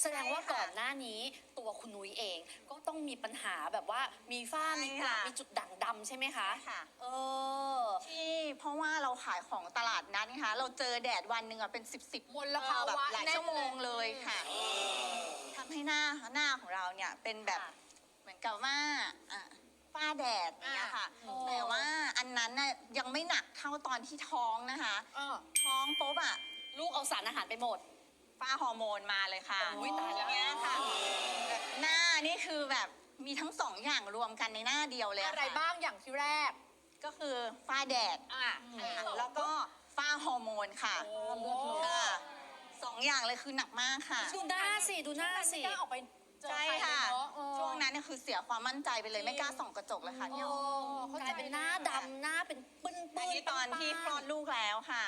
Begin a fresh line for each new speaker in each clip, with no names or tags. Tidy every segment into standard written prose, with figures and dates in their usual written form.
แสดงว่าก่อนหน้านี้ตัวคุณนุ้ยเองก็ต้องมีปัญหาแบบว่ามีฝ้ามีกระมีจุดด่างดำใช่ไหมคะ
ค่ะ
ที่
เพราะว่าเราขายของตลาดนัดนะคะเราเจอแดดวันหนึ่งอะเป็น10
มลภาวะ
หลายชั่วโมงเลยค่ะทำให้หน้าของเราเนี่ยเป็นแบบเหมือนกับว่าฝ้าแดดอย่างเงี้ยค่ะแต่ว่าอันนั้นน่ะยังไม่หนักเท่าตอนที่ท้องนะคะท้องปุ๊บอะ
ลูกเอาสารอาหารไปหมด
ฝ้าฮอร์โมนมาเลยค่ะ
ตายแล้ว
เนี่ยค่ะหน้านี่คือแบบมีทั้งสองอย่างรวมกันในหน้าเดียวเลย
อะไรบ้างอย่างที่แรก
ก็คือฝ้าแดดแล้วก็ฝ้าฮอร์โมนค่ะสองอย่างเลยคือหนักมากค่ะ
ดูหน้าสิดูหน้าสิ
ออกไป
ใช่ค่ะช่วงนั้นเนี่ยคือเสียความมั่นใจไปเลยไม่กล้าส่องกระจกเลยค่ะพี่
กลายเป็นหน้าดำหน้าเป็นปื้นๆ
นี่ตอนที่คลอดลูกแล้วค่ะ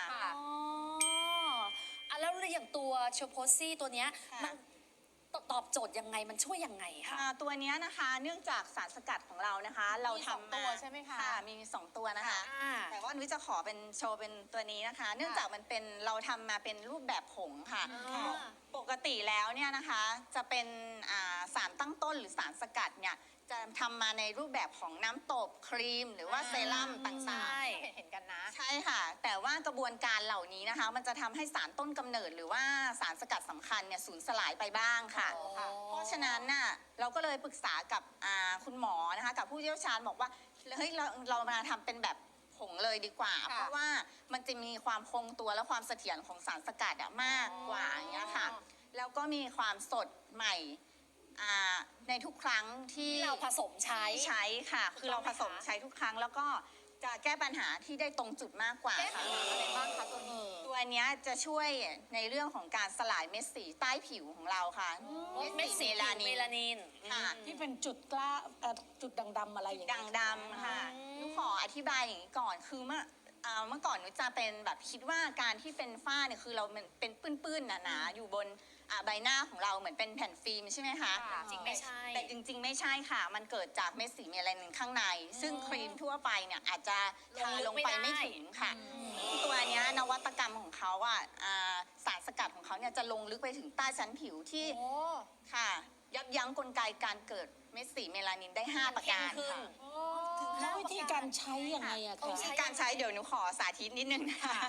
แล้วอย่างตัวเชลโพซี่ตัวเนี้ยมันตอบโจทย์ยังไงมันช่วยยังไงคะ
ตัวนี้นะคะเนื่องจากสารสกัดของเรานะคะเราทำ
ตัวใช่ไหมคะ
มี2 ตัวนะคะแต่ว่านุ้ยจะขอเป็นโชว์เป็นตัวนี้นะคะ เนื่องจากมันเป็นเราทำมาเป็นรูปแบบผงค่ะปกติแล้วเนี่ยนะคะจะเป็นสารตั้งต้นหรือสารสกัดเนี่ยจะทำมาในรูปแบบของน้ำตบครีมหรือว่าเซรั่มต่าง
ๆเห็นกันนะ
ใช่ค่ะแต่ว่ากระบวนการเหล่านี้นะคะมันจะทำให้สารต้นกำเนิดหรือว่าสารสกัดสำคัญเนี่ยสูญสลายไปบ้างค่ะเพราะฉะนั้นน่ะเราก็เลยปรึกษากับคุณหมอนะคะกับผู้เชี่ยวชาญบอกว่าเฮ้ยเรามาทำเป็นแบบผงเลยดีกว่าเพราะว่ามันจะมีความคงตัวและความเสถียรของสารสกัดมากกว่าอย่างเงี้ยค่ะแล้วก็มีความสดใหม่ในทุกครั้งที่
เราผสมใช้
ค่ะคือเราผสมใช้ทุกครั้งแล้วก็จะแก้ปัญหาที่ได้ตรงจุดมากกว่าค่ะ
อะไรบ้างคะ
ตัวนี้จะช่วยในเรื่องของการสลายเม็ดสีใต้ผิวของเราค่ะ
เม็ดสีเมลานิน
ค่ะ
ที่เป็นจุดจุดด่างดำอะไรอย่างเงี้ย
ด่างดำค่ะนุขออธิบายอย่างนี้ก่อนคือเมื่อก่อนนุจะเป็นแบบคิดว่าการที่เป็นฝ้าเนี่ยคือเราเป็นปื้นๆหนาๆอยู่บนใบหน้าของเราเหมือนเป็นแผ่นฟิล์มใช่ไหมคะ
จริงไม่ใช่
แต่จริงๆไม่ใช่ค่ะมันเกิดจากเม็ดสีเมลานินข้างในซึ่งครีมทั่วไปเนี่ยอาจจะทาลงไปไม่ถึงค่ะตัวนี้นวัตกรรมของเขาสารสกัดของเขาเนี่ยจะลงลึกไปถึงใต้ชั้นผิวที่ค่ะยับยั้งกลไกการเกิดเม็ดสีเมลานินได้5ประการค่ะ
แล้ววิธีการใช้ยังไงอะคะ
วิธีการใช้เดี๋ยวหนูขอสาธิตนิดนึงนะคะ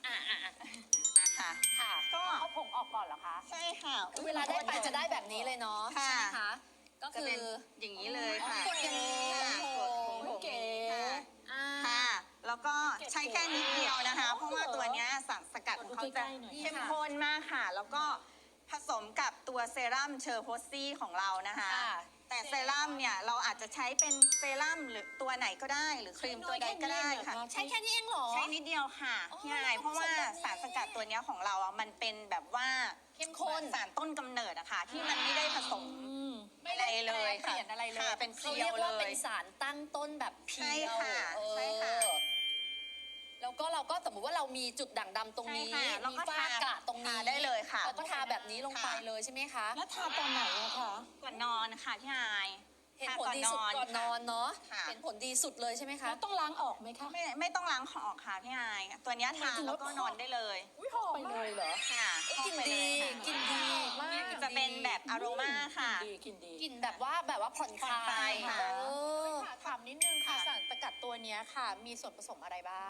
ค่ะ
ก็เอาผงออกก่อนเหรอคะ
ใช่ค่ะ
เวลาได้ไปจะได้แบบนี้เลยเนาะใช่ไหมคะก็คือ
อย่างนี้เลยค่ะ
กดอย่างนี้
เก๋
ค่ะแล้วก็ใช้แค่นิดเดียวนะคะเพราะว่าตัวนี้สารสกัดของเขาจะเข้มข้นมากค่ะแล้วก็ผสมกับตัวเซรั่มเชอร์โพซี่ของเรานะคะแต่เซรั่มเนี่ยเราอาจจะใช้เป็นเซรั่มหรือตัวไหนก็ได้หรือครีมตัวใดก็ได้ค่ะ
ใช้แค่นี้เองเหรอ
ใช้นิดเดียวค่ะพี่ไอเพราะว่าสารสกัดตัวนี้ของเรามันเป็นแบบว่า
เข้มข้น
สารต้นกำเนิดอะค่ะที่มันไม่ได้ผสมอะไรเลยค่ะเป็นเพียวเลย
เป็นสารตั้งต้นแบบเพียว
ใช่ค่ะ
แล้วก็เราก็สมมติว่าเรามีจุดด่างดำตรงนี้มีฝ้ากระตรงนี้
ได้เลยค่ะ
เราก็ทาแบบนี้ลงไปเลยใช่ไหมคะ
แล้วทาตอนไหนอะคะ
ก่อนนอนค่ะพี่ไอ
เห็นผลดีสุดก่อนนอนเนาะเห็นผลดีสุดเลยใช่ไหมคะ
ต้องล้างออกไหมคะ
ไม่ต้องล้างออกค่ะพี่ไอตัวนี้ทาแล้วก็นอนได้เลย
หอมไปเลยเหรอ
ค่ะ
กลิ่นดีกลิ่นดีมาก
จะเป็นแบบอโรมาค่ะ
กลิ่นดี
กลิ่นแบบว่าผ่อนคลาย
ค่ะ
ถามนิดนึงค่ะสารสกัดตัวนี้ค่ะมีส่วนผสมอะไรบ้าง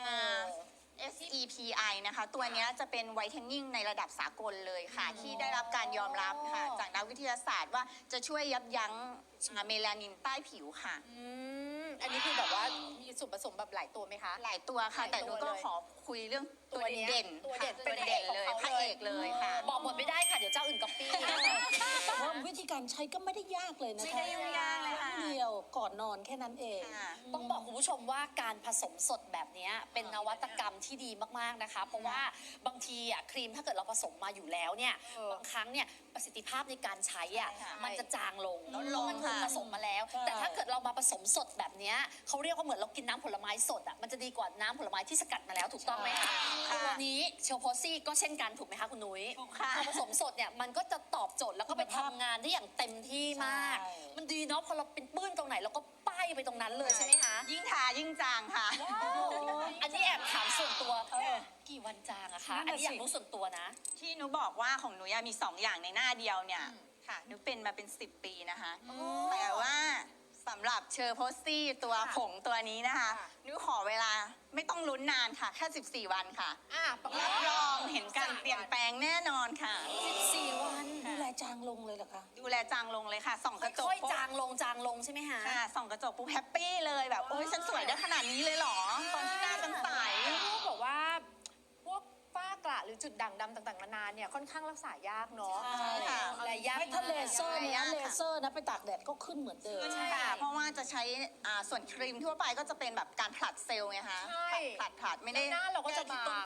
SEPI นะคะตัวนี้จะเป็นไวท์เทนนิ่งในระดับสากลเลยค่ะที่ได้รับการยอมรับค่ะจากนักวิทยาศาสตร์ว่าจะช่วยยับยั้งเมลานินใต้ผิวค่ะ
อันนี้คือแบบว่ามีส่วนผสมแบบหลายตัวไหมคะ
หลายตัวค่ะแต่หนูก็ขอคุยเรื่องตัวเด่น
ตัวเด่น
เลยพระเอกเลยค่ะ
บอกหมดไม่ได้ค่ะเดี๋ยวเจ้าอื่นก๊อปปี้
แต่ว่าวิธีการใช้ก็ไม่ได้ยากเลยนะคะ
ไม่ได้ยุ่งยากเลยค่ะ
เดียวก่อนนอนแค่นั้นเอง
ต้องบอกคุณผู้ชมว่าการผสมสดแบบนี้เป็นนวัตกรรมที่ดีมากๆนะคะเพราะว่าบางทีครีมถ้าเกิดเราผสมมาอยู่แล้วเนี่ยบางครั้งเนี่ยประสิทธิภาพในการใช้มันจะจางลงมันถูกผสมมาแล้วแต่ถ้าเกิดเรามาผสมสดแบบนี้เขาเรียกว่าเหมือนเรากินน้ำผลไม้สดมันจะดีกว่าน้ำผลไม้ที่สกัดมาแล้วถูกต้องไหมคะตัวนี้เชลโพซี่ก็เช่นกันถูกไหมคะคุณนุ้ยพอผสมสดเนี่ยมันก็จะตอบโจทย์แล้วก็ไปทำงานได้อย่างเต็มที่มาก
ใช่
มันดีเนาะพอเราเป็นปื้นตรงไหนเราก็ป้ายไปตรงนั้นเลยใช่ไหมคะ
ยิ่งทายิ่งจางค่ะ
อันนี้แอบถามส่วนตัวกี่วันจางอะคะ อันนี้อยากรู้ส่วนตัวนะ
ที่หนูบอกว่าของหนูมี2 อย่างในหน้าเดียวเนี่ยค่ะหนูเป็นมาเป็น10 ปีนะคะแต่ว่าสำหรับเชอร์โพสซี่ตัวผงตัวนี้นะคะหนูขอเวลาไม่ต้องลุ้นนานค่ะแค่14 วันค่ะ รับรองเห็นการเปลี่ยนแปลงแน่นอนค่ะ
14 วัน
ดูแลจางลงเลยเหรอคะ
ดูแลจางลงเลยค่ะส่องกระจก
ค่อย
ปุ๊
ๆ
บ
จางลงใช่ไหมคะ
ค่ะส่องกระจกปุ๊บแฮปปี้เลยแบบโอ๊ยฉันสวยได้ขนาดนี้เลยเหรอ ตอนที่หน้าฉันใส
พวกแบบว่าพวกฝ้ากระหรือจุดด่างดำต่างๆนานาเนี่ยค่อนข้างรักษายากเนาะ
ใช่ค่ะ
อะไรยาก
ไม่ถ้าเลเซอร์เนี่ย
ยากค่ะ
เลเซอร์นะไปตากแดดก็ขึ้นเหมือนเดิม
ใช่ค่ะเพราะว่าจะใช้ส่วนครีมทั่วไปก็จะเป็นแบบการผลัดเซลล์ไงคะ
ใช่
ผลัดไม่ได้
แล้วหน้าเราก็จะ
แก้ที่ต้น
บาง